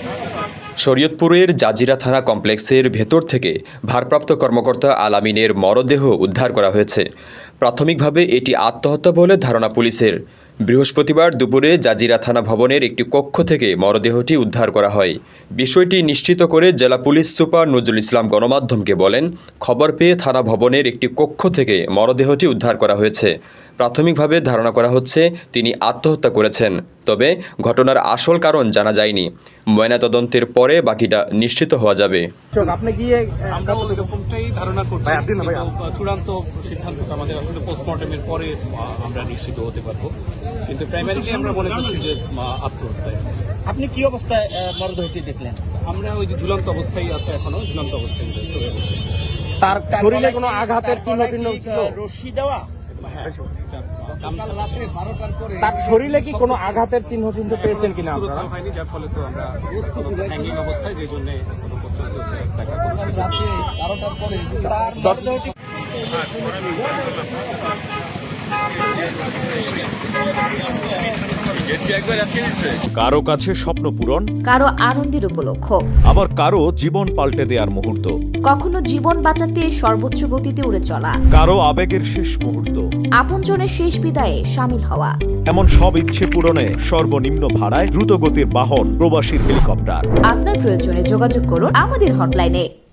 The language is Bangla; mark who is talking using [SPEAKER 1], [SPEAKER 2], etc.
[SPEAKER 1] শরীয়তপুরের জাজিরা থানা কমপ্লেক্সের ভেতর থেকে ভারপ্রাপ্ত কর্মকর্তা আলামিনের মরদেহ উদ্ধার করা হয়েছে। প্রাথমিকভাবে এটি আত্মহত্যা বলে ধারণা পুলিশের। বৃহস্পতিবার দুপুরে জাজিরা থানা ভবনের একটি কক্ষ থেকে মরদেহটি উদ্ধার করা হয়। বিষয়টি নিশ্চিত করে জেলা পুলিশ সুপার নজরুল ইসলাম গণমাধ্যমকে বলেন, খবর পেয়ে থানা ভবনের একটি কক্ষ থেকে মরদেহটি উদ্ধার করা হয়েছে। প্রাথমিকভাবে ধারণা করা হচ্ছে তিনি আত্মহত্যা করেছেন, তবে ঘটনার আসল কারণ জানা যায়নি। ময়নাতদন্তের পরে বাকিটা নিশ্চিত হওয়া যাবে।
[SPEAKER 2] আপনি গিয়ে
[SPEAKER 3] আমরা ওই রকমটাই ধারণা করছি, কিন্তু চূড়ান্ত সিদ্ধান্ত আমাদের আসলে পোস্টমর্টমের পরে আমরা নিশ্চিত হতে পারবো, কিন্তু প্রাইমারিলি আমরা মনে করছি যে আত্মহত্যায়।
[SPEAKER 2] আপনি কি অবস্থায় মরদেহটি দেখলেন?
[SPEAKER 3] আমরা ওই যে ঝুলন্ত অবস্থায় আছে, এখনো ঝুলন্ত অবস্থায় রয়েছে, ওই অবস্থায়।
[SPEAKER 2] তার শরীরে কোনো আঘাতের চিহ্ন ছিল?
[SPEAKER 4] রশি দেওয়া?
[SPEAKER 3] হ্যাঁ,
[SPEAKER 2] তার শরীরে কি কোনো আঘাতের চিহ্ন পেয়েছেন কিনা?
[SPEAKER 3] সুরক্ষা হয়নি, যার ফলে তো আমরা হ্যাঙ্গিং অবস্থায়, যে জন্য কোনো পর্যন্ত দেখা কোনো সুযোগ নেই।
[SPEAKER 5] কারো কাছে স্বপ্ন পূরণ,
[SPEAKER 6] কারো আনন্দের উপলক্ষ,
[SPEAKER 5] আবার কারো জীবন পাল্টে দেওয়ার মুহূর্ত,
[SPEAKER 6] কখনো জীবন বাঁচাতে সর্বোচ্চ গতিতে উড়ে চলা,
[SPEAKER 5] কারো আবেগের শেষ মুহূর্ত,
[SPEAKER 6] আপনজনের শেষ বিদায়ে সামিল হওয়া।
[SPEAKER 5] এমন সব ইচ্ছে পূরণে সর্বনিম্ন ভাড়ায় দ্রুতগতির বাহন প্রবাসীর হেলিকপ্টার।
[SPEAKER 6] আপনার প্রয়োজনে যোগাযোগ করুন আমাদের হটলাইনে।